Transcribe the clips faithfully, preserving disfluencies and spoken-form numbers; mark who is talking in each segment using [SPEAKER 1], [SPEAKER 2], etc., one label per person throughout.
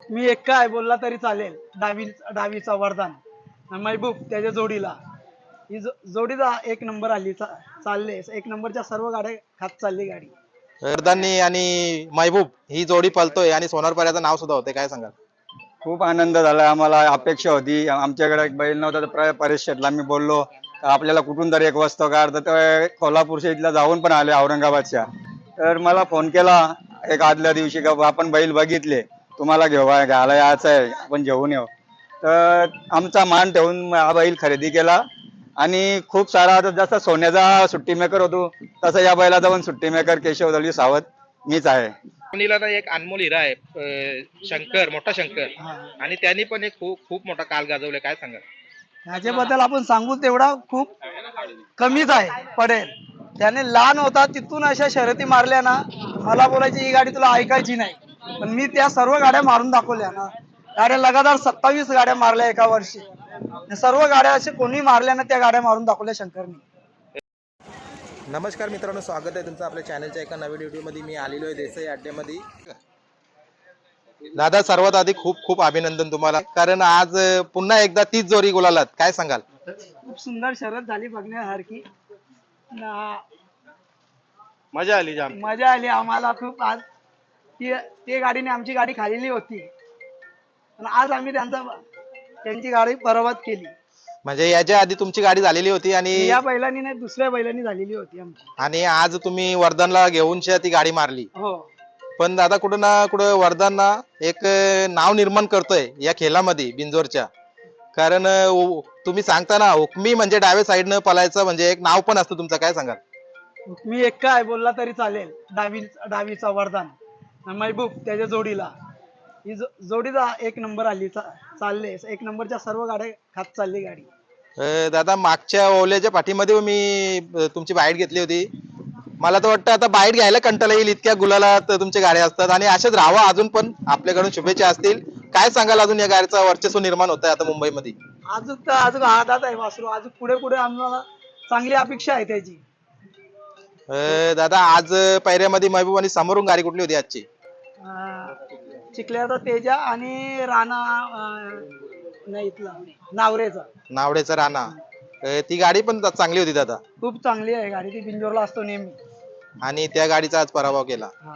[SPEAKER 1] मी एक्का आहे बोलला तरी चालेल. डावी डावीचा वरदान महबूब त्याच्या जोडीला ही जो- जोडीचा एक नंबर आली चा- चालले एक नंबरच्या सर्व गाड्या खात चालली गाडी.
[SPEAKER 2] वरदानी आणि महबूब ही जोडी पळतोय आणि सोनार पाऱ्याचं नाव सुद्धा होते, काय सांगाल?
[SPEAKER 3] खूप आनंद झाला आम्हाला. अपेक्षा होती, आमच्याकडे एक बैल नव्हता तर परेश शेटला मी बोललो का आपल्याला कुठून तरी एक वस्तू काढ, तर ते कोल्हापूरच्या इथला जाऊन पण आले औरंगाबादच्या. तर मला फोन केला एक आदल्या दिवशी का आपण बैल बघितले, तुम्हाला घेऊ घ्यायला यायचं आहे, आपण घेऊन येऊ. तर आमचा मान ठेवून हा बैल खरेदी केला आणि खूप सारा आता जसा सोन्याचा सुट्टी मेकर होतो तसा या बैलाचा पण सुट्टी मेकर केशव दळवी सावत मीच आहे.
[SPEAKER 4] कोणीला तर एक अनमोल हिरा आहे, अं, शंकर, मोठा शंकर,
[SPEAKER 1] हा.
[SPEAKER 4] आणि त्यांनी पण एक खूप खूप मोठा काल गाजवलाय, काय सांगाल?
[SPEAKER 1] ह्याच्याबद्दल आपण सांगू तेवढा खूप कमीच आहे पडेल. त्याने लहान होता तिथून अशा शर्यती मारल्या ना, मला बोलायची ही गाडी तुला ऐकायची नाही, पण मी त्या सर्व गाड्या मारून दाखवल्या ना. गाड्या लगातार सत्तावीस गाड्या मारल्या एका वर्षी. सर्व गाड्या असे कोणी मारल्या ना, त्या गाड्या मारून दाखवल्या शंकरनी.
[SPEAKER 2] नमस्कार मित्रांनो, स्वागत आहे तुमचं आपल्या चॅनलच्या एका नवीन व्हिडिओमध्ये. मी आलेलो आहे देसाई अड्ड्यामध्ये. दादा, सर्वात आधी खूप खूप अभिनंदन तुम्हाला, कारण आज पुन्हा एकदा तीच जोरी गुलालात, काय सांगाल?
[SPEAKER 1] खूप सुंदर शर्यत झाली बघण्यासारखी. ना-
[SPEAKER 4] मजा आली जाम.
[SPEAKER 1] मजा आली आम्हाला खूप. आज ती ते गाडीने आमची गाडी खालेली होती आणि आज आम्ही त्यांचा त्यांची गाडी बरबाद केली.
[SPEAKER 2] म्हणजे याच्या आधी तुमची गाडी झालेली होती आणि
[SPEAKER 1] या बैलांनी नाही, दुसऱ्या बैलांनी झालेली होती आमची.
[SPEAKER 2] आणि आज तुम्ही वरदानला घेऊन शे- ती गाडी मारली.
[SPEAKER 1] हो,
[SPEAKER 2] पण दादा, कुठं ना कुठं वरदानना एक नाव निर्माण करतोय या खेळामध्ये बिंजोरच्या. कारण उ- तुम्ही सांगता ना, हुकमी म्हणजे डाव्या साईडनं पलायचं म्हणजे एक नाव पण असतं तुमचं, काय सांगाल?
[SPEAKER 1] मी एक्का आहे बोलला तरी चालेल. डावी डावीचा वरदान महबूब त्याच्या जोडीला ही जो- जोडीचा एक नंबर आली चा- चालले एक नंबरच्या सर्व गाड्या खात चालली गाडी.
[SPEAKER 2] अं, दादा, मागच्या ओल्याच्या पाठीमध्ये मी अं, तुमची बाईट घेतली होती. मला तर वाटतं आता बाईट घ्यायला कंटाळा येईल, इतक्या गुलालात तुमच्या गाड्या असतात आणि अशाच राहावा. अजून पण आपल्याकडून शुभेच्छा असतील. काय सांगाल, अजून या गाडीचा वर्चस्व निर्माण होत आहे आता मुंबईमध्ये?
[SPEAKER 1] अजून तर अजून हातात आहे वासरू. अजून पुढे पुढे आम्हाला चांगली अपेक्षा आहे त्याची.
[SPEAKER 2] अं, दादा, आज पायऱ्यामध्ये महबूब आणि समोरून गाडी कुठली होती आजची?
[SPEAKER 1] अं, चिखल्याचा तेजा आणि राणा अं, नाही इथला नावरेचा.
[SPEAKER 2] नावडेचा राणा. अं, ती गाडी पण चांगली होती दादा,
[SPEAKER 1] खूप चांगली आहे गाडी. ती बिंजोरला असतो नेहमी.
[SPEAKER 2] आणि त्या गाडीचा आज पराभव केला.
[SPEAKER 1] हा.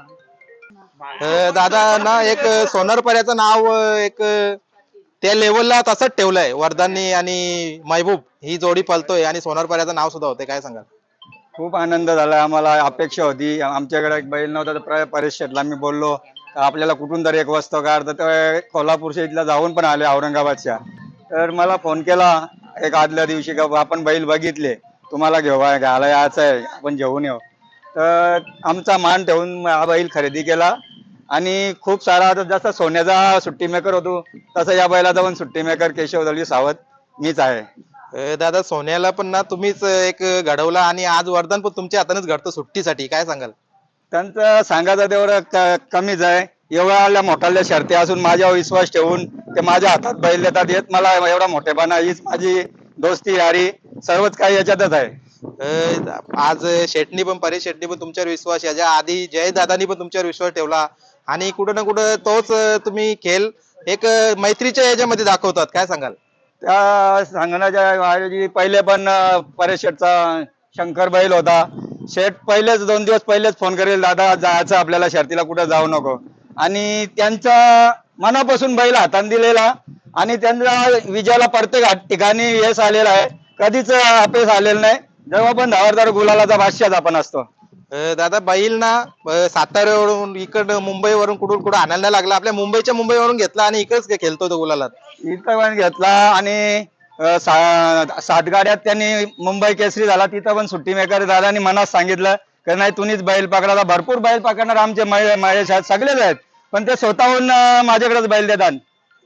[SPEAKER 2] अं, दादा ना, एक सोनारपर्याचं नाव अं, एक अं, त्या लेवलला तसंच ठेवलंय वरदानी आणि महबूब ही जोडी पळतोय आणि सोनारपर्याचं नाव सुद्धा होते, काय सांगाल?
[SPEAKER 3] खूप आनंद झाला आम्हाला. अपेक्षा होती, आमच्याकडे एक बैल नव्हता तर परेश शेटला मी बोललो का आपल्याला कुठून तरी एक वस्तू काढ, तर ते कोल्हापूरच्या इथला जाऊन पण आले औरंगाबादच्या. तर मला फोन केला एक आदल्या दिवशी का आपण बैल बघितले, तुम्हाला घेऊ घ्यायला यायचं आहे, आपण घेऊन येऊ. तर आमचा मान ठेवून हा बैल खरेदी केला आणि खूप सारा आता जसा सोन्याचा सुट्टी मेकर होतो तसा या बैलाचा पण सुट्टी मेकर केशव दळवी सावत मीच आहे.
[SPEAKER 2] अं, दादा, सोन्याला पण ना तुम्हीच एक घडवला आणि आज वरदान पण तुमच्या हातानेच घडतं सुट्टीसाठी, काय सांगाल?
[SPEAKER 3] त्यांचं सांगायचं तेवढं क- कमीच आहे. एवढ्या मोठ्या शर्ती असून माझ्यावर विश्वास ठेवून ते माझ्या हातात बैल देतात, येत मला एवढा मोठेपणा, हीच माझी दोस्ती यारी सर्वच काही याच्यातच आहे.
[SPEAKER 2] अं, आज शेटणी पण परेश शेटणी पण तुमच्यावर विश्वास, याच्या आधी जय दादानी पण तुमच्यावर विश्वास ठेवला आणि कुठं ना कुठं तोच अं, तुम्ही खेळ एक अं, मैत्रीच्या याच्यामध्ये दाखवतात, काय सांगाल?
[SPEAKER 3] त्या सांगण्याच्या ऐवजी पहिले पण अं, परेश शेठचा शंकर बैल होता. शेठ पहिलेच दोन दिवस पहिलेच फोन करेल, दादा जायचं आपल्याला शर्तीला, कुठं जाऊ नको. आणि त्यांचा मनापासून बैल हातात दिलेला आणि त्यांचा विजयाला प्रत्येक हात- ठिकाणी यश आलेला आहे. कधीच अपयश आलेलं नाही. जेव्हा पण धावरदार गुलालाचा बादशाह आपण असतो.
[SPEAKER 2] अं, दादा, बैल ना अं, साताऱ्यावरून इकडं मुंबईवरून कुठून कुठं आणायला नाही लागला, आपल्या मुंबईच्या मुंबईवरून घेतला आणि इकडेच खेळतो तो गुलालात.
[SPEAKER 3] इथं पण घेतला आणि अं, सा- सात गाड्यात त्यांनी मुंबई केसरी झाला. तिथं पण सुट्टी मेकर दादानी मनात सांगितलं की नाही, तुम्हीच बैल पकडायला. भरपूर बैल पकडणार आमचे महे- महेश आहेत, सगळेच आहेत, पण ते स्वतःहून अं, माझ्याकडेच बैल देतात.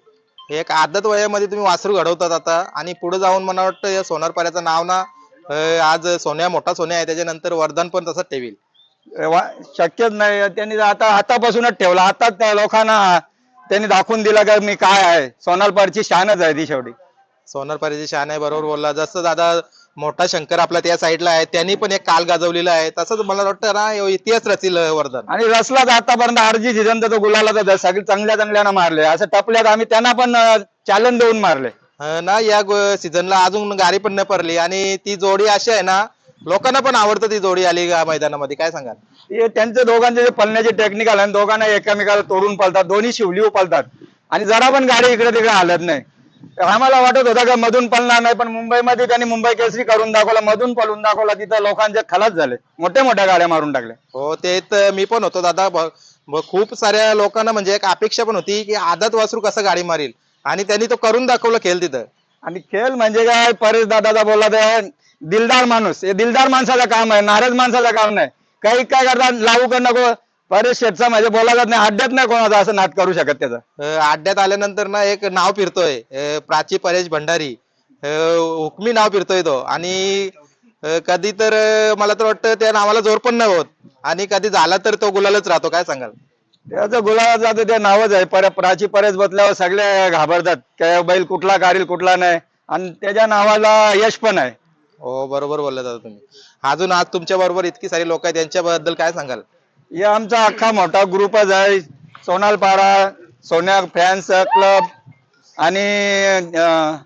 [SPEAKER 2] एक आदत वयामध्ये तुम्ही वासरू घडवतात आता आणि पुढे जाऊन मला वाटतं या सोनारपाऱ्याचं नाव ना अं, आज सोन्या मोठा सोन्या आहे, त्याच्यानंतर वरदान पण तसंच ठेवील.
[SPEAKER 3] वा- शक्यच नाही. त्यांनी आता आतापासूनच ठेवला. आता त्या लोकांना त्यांनी दाखवून दिला की मी काय आहे. सोनारपारची शानच आहे ती शेवटी.
[SPEAKER 2] सोनारपाऱ्याची शान आहे, बरोबर बोलला. जसं दादा मोठा शंकर आपला त्या साईडला आहे, त्यांनी पण एक काल गाजवलेला आहे. तसंच मला वाटतं ना ह्यो इतिहास रचील वर्धन.
[SPEAKER 3] आणि रसलाच आतापर्यंत आरजी सीझन तर तो गुलाला सगळे चांगल्या चांगल्यानं मारले, असं टपल्यात आम्ही त्यांना पण चॅलेंज देऊन मारले.
[SPEAKER 2] अं, ना या सीझनला अजून गाडी पण न पडली आणि ती जोडी अशी आहे ना, लोकांना पण आवडतं ती जोडी आली या मैदानामध्ये. काय सांगाल?
[SPEAKER 3] हे त्यांचे दोघांचे जे पळण्याचे टेक्निकल आहे, दोघांना एकामेकाला तोडून पळतात, दोन्ही शिवलीव पळतात आणि जरा पण गाडी इकडे तिकडे हालत नाही. आम्हाला वाटत होतं का मधून पळणार नाही, पण मुंबईमध्ये त्यांनी मुंबई केसरी करून दाखवला, मधून पळून दाखवला, तिथं लोकांचे खलास झाले, मोठ्या मोठ्या गाड्या मारून टाकल्या.
[SPEAKER 2] हो ते तर मी पण होतो दादा. ब- ब- खूप साऱ्या लोकांना म्हणजे एक अपेक्षा पण होती की आदत वासरू कसं गाडी मारील आणि त्यांनी तो करून दाखवलं खेळ तिथं.
[SPEAKER 3] आणि खेळ म्हणजे काय, परेश दादाचा बोलला तर दिलदार माणूस, हे दिलदार माणसाचं काम आहे, नाराज माणसाचं काम नाही. काही काय करतात लावू कर नको, परेश शेठचा म्हणजे बोला जात नाही, अड्ड्यात नाही कोणाचा असं नाद करू शकत त्याचा.
[SPEAKER 2] अं, अड्ड्यात आल्यानंतर ना एक नाव फिरतोय, अं, प्राची परेश भंडारी, अं, हुकमी नाव फिरतोय तो. आणि अं, कधी तर अं, मला तर वाटतं त्या नावाला जोर पण नाही होत आणि कधी झाला तर तो गुलालच राहतो. काय सांगाल?
[SPEAKER 3] त्याचं गुलाबात जातं ते नावच आहे, पर प्राची परेश बसल्यावर सगळे घाबरतात काय बैल कुठला काढील कुठला नाही, आणि त्याच्या नावाला यश पण आहे.
[SPEAKER 2] हो बरोबर बोलला दादा तुम्ही. अजून आज तुमच्या बरोबर इतकी सारी लोक आहेत, त्यांच्याबद्दल काय सांगाल?
[SPEAKER 3] हे आमचा अख्खा मोठा ग्रुपच आहे, सोनालपाडा सोन्या फॅन्स क्लब आणि अं,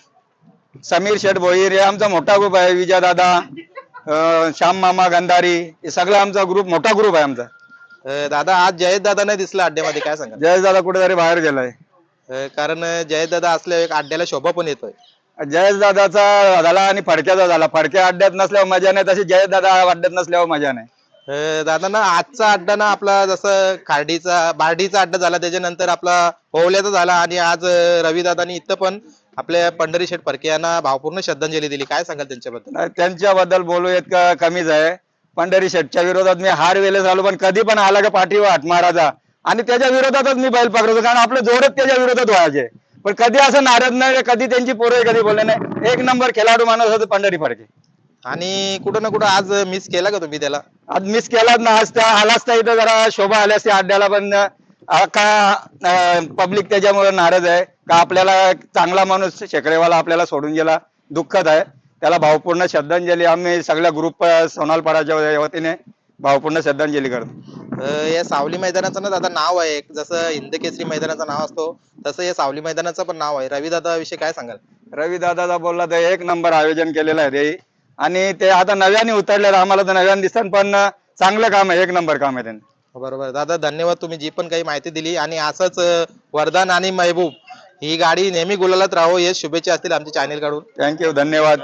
[SPEAKER 3] समीर शेठ भोईर, हे आमचा मोठा ग्रुप आहे. विजय दादा, अं, श्याम मामा गंधारी, हे सगळा आमचा ग्रुप मोठा ग्रुप आहे आमचा.
[SPEAKER 2] अं, दादा आज जयेश दादा नाही दिसला अड्ड्यामध्ये, काय सांगाल?
[SPEAKER 3] जयेश दादा कुठेतरी बाहेर गेलाय.
[SPEAKER 2] अं, कारण जयेश दादा असल्यावर एक अड्ड्याला शोभा पण येतोय.
[SPEAKER 3] जयेश दादाचा झाला आणि फडक्याचा झाला, फडक्या अड्ड्यात नसल्यावर मजा नाही, तशी जयेश दादा अड्ड्यात नसल्यावर मजा नाही.
[SPEAKER 2] अं, दादा ना आजचा अड्डा ना आपला जसं खार्डीचा बार्डीचा अड्डा झाला, त्याच्यानंतर आपला ओवल्याचा झाला आणि आज रवी दादानी इथं पण आपल्या पंढरी शेठ फडके यांना भावपूर्ण श्रद्धांजली दिली. काय सांगाल त्यांच्याबद्दल?
[SPEAKER 3] नाही, त्यांच्याबद्दल बोलू इतकं कमीच आहे. पंढरी शेठच्या विरोधात मी हार वेळेस आलो, पण कधी पण आला का पाठीवर हात मारायचा आणि त्याच्या विरोधातच मी बैल पकडतो, कारण आपले जोरच त्याच्या विरोधात व्हायचे. पण कधी असं नाराज नाही, कधी त्यांची पोरं कधी बोलले नाही. एक नंबर खेळाडू माणूस होता पंढरी फडके.
[SPEAKER 2] आणि कुठं ना कुठं आज मिस केला का तुम्ही त्याला?
[SPEAKER 3] आज मिस केलाच ना, आज त्या आला असता इथं जरा शोभा आली असती अड्ड्याला, पण अं, का पब्लिक त्याच्यामुळे नाराज आहे का आपल्याला चांगला माणूस शेकडेवाला आपल्याला सोडून गेला, दुःखद आहे. त्याला भावपूर्ण श्रद्धांजली आम्ही सगळ्या ग्रुप सोनालपाडाच्या वतीने भावपूर्ण श्रद्धांजली करतो.
[SPEAKER 2] अं, या सावली मैदानाचं ना दादा नाव आहे, जसं हिंद केसरी मैदानाचं नाव असतो तसं या सावली मैदानाचं पण नाव आहे. रवी दादा विषयी काय सांगाल?
[SPEAKER 3] रवी दादाचा बोलला तर एक नंबर आयोजन केलेलं आहे ते, आणि ते आता नव्याने उतरले, आम्हाला तर नव्याने दिसतात, पण चांगलं काम आहे, एक नंबर काम आहे त्यांनी.
[SPEAKER 2] बरोबर दादा, धन्यवाद. तुम्ही जी पण काही माहिती दिली आणि असंच अं, वरदान आणि महबूब ही गाडी नेहमी गुलालात राहो हे शुभेच्छा असतील आमच्या चॅनेल कडून.
[SPEAKER 3] थँक्यू, धन्यवाद.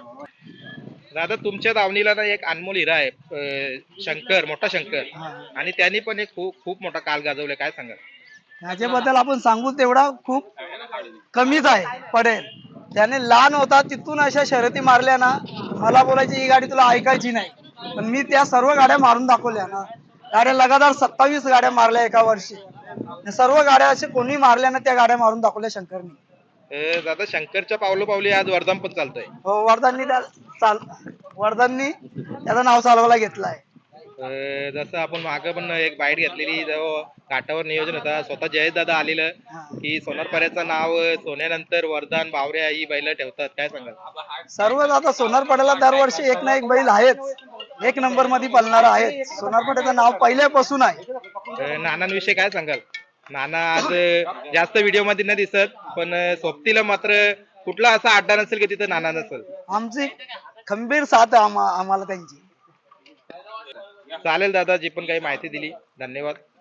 [SPEAKER 4] दादा तुमच्या दावणीला ना एक अनमोल हिरा आहे, अं, शंकर, मोठा शंकर, आणि त्यांनी पण एक खूप खूप मोठा काल गाजवलाय. काय सांगाल?
[SPEAKER 1] त्याच्याबद्दल आपण सांगू तेवढा खूप कमीच आहे पडेल. त्याने लहान होता तिथून अशा शर्यती मारल्या ना, मला बोलायची ही गाडी तुला ऐकायची नाही, पण मी त्या सर्व गाड्या मारून दाखवल्या ना. गाड्या लगातार सत्तावीस गाड्या मारल्या एका वर्षी, सर्व गाड्या असे कोणी मारल्या ना, त्या गाड्या मारून दाखवल्या शंकरनी.
[SPEAKER 4] अं, दादा शंकरच्या पावलोपावली आज वर्धन पण चालतंय.
[SPEAKER 1] हो, वर्धननी त्या चाल वर्धननी त्याचं नाव चालवायला घेतलं आहे.
[SPEAKER 4] अं, जसं आपण मागं पण एक बाईट घेतलेली, जेव्हा काटावर नियोजन होता, स्वतः जयेश दादा आलेलं की सोनारपर्याचं नाव सोन्यानंतर वर्धन बावऱ्या ही बैल ठेवतात. काय सांगाल?
[SPEAKER 1] सर्वच आता सोनारपाड्याला दरवर्षी एक ना एक बैल आहेच, एक नंबर मध्ये पळणारा आहे. सोनारपाड्याचं नाव पहिल्यापासून आहे.
[SPEAKER 4] अं, नानांविषयी काय सांगाल? नाना आज अं, जास्त व्हिडिओ मध्ये नाही दिसत, पण अं, सोबतीला मात्र कुठला असा अड्डा नसेल की तिथं नाना नसेल.
[SPEAKER 1] आमची खंबीर साथ आहे आम्हा- आम्हाला त्यांची.
[SPEAKER 4] चालेल दादा, जी पण काही माहिती दिली, धन्यवाद.